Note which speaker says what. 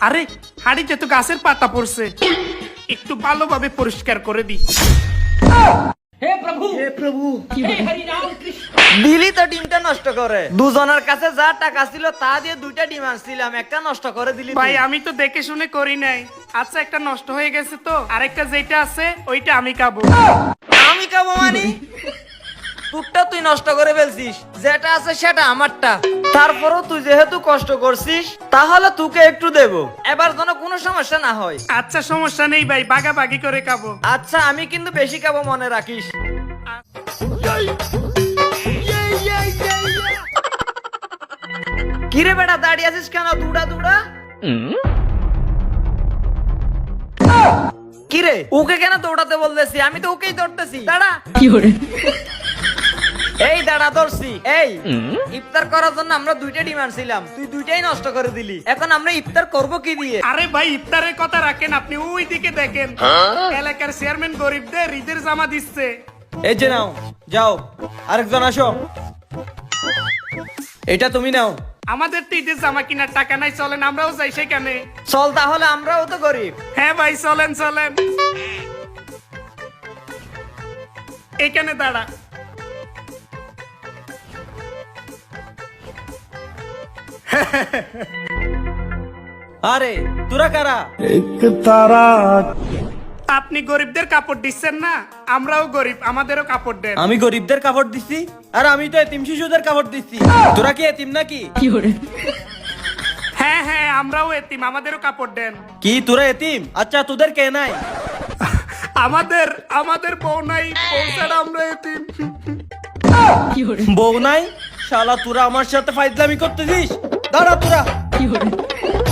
Speaker 1: আরে হাড়িতে তো গাছের পাতা পড়ছে, একটু ভালোভাবে পরিষ্কার করে দি।
Speaker 2: हे प्रभु हे हरि राम कृष्ण।
Speaker 3: দিলি তো ডিমটা নষ্ট করে। দুজনের কাছে যা টাকা ছিল তা দিয়ে দুইটা ডিম আনছিলাম, একটা নষ্ট করে দিলি তুই।
Speaker 1: ভাই আমি তো দেখে শুনে করি নাই। আচ্ছা একটা নষ্ট হয়ে গেছে তো, আরেকটা যেটা আছে ওইটা আমি খাবো।
Speaker 3: আমি খাবো মানে? তোরটা তুই নষ্ট করে ফেলছিস, যেটা আছে সেটা আমারটা। তারপরও তুই যেহেতু কষ্ট করছিস তাহলে তোকে একটু দেবো, এবার যেন কোনো সমস্যা না হয়।
Speaker 1: আচ্ছা সমস্যা নেই ভাই, বাগাবাগি করে খাবো।
Speaker 3: আচ্ছা আমি কিন্তু বেশি খাবো, মনে রাখিস। কিরে বেটা দাঁড়িয়ে আছিস কেন? দুড়া দুড়া কিরে ওকে কেন দৌড়াতে বলতেছি? আমি তো ওকেই দৌড়তেছি। দাঁড়া এই দাঁড়া ধরছি। এই ইফতার করার জন্য আমরা দুইটা ডিমান্ড ছিলাম, তুই দুইটাই নষ্ট করে দিলি। এখন আমরা ইফতার করব কি দিয়ে?
Speaker 1: আরে ভাই ইফতারের কথা রাখেন, আপনি ওই দিকে দেখেন, এলাকার চেয়ারম্যান গরিবদের ঈদের জামা দিচ্ছে।
Speaker 3: এই যে নাও, যাও আরেকজন আসো, এটা তুমি নাও।
Speaker 1: আমাদের তো ঈদের জামা কিনার টাকা নাই, চলেন আমরাও যাই সেখানে।
Speaker 3: চল তাহলে, আমরাও তো গরিব।
Speaker 1: হ্যাঁ ভাই চলেন চলেন, এখানে দাঁড়া।
Speaker 3: আরে তোরা কারা?
Speaker 1: আপনি গরিবদের কাপড় দিচ্ছেন না, আমরাও গরিব, আমাদেরও কাপড় দেন।
Speaker 3: আমি গরিবদের কাপড় দিচ্ছি, আর আমি তো এতিম শিশুদের কাপড় দিচ্ছি। তোরা কি এতিম নাকি?
Speaker 1: হ্যাঁ হ্যাঁ আমরাও এতিম, আমাদেরও কাপড় দেন।
Speaker 3: কি তোরা এতিম? আচ্ছা তোদের কে নাই?
Speaker 1: আমাদের আমাদের বউ নাই, বউ ছাড়া আমরা এতিম।
Speaker 3: বউ নাই? শালা তোরা আমার সাথে ফাইজলামি করতেছিস? দাঁড়া তোরা।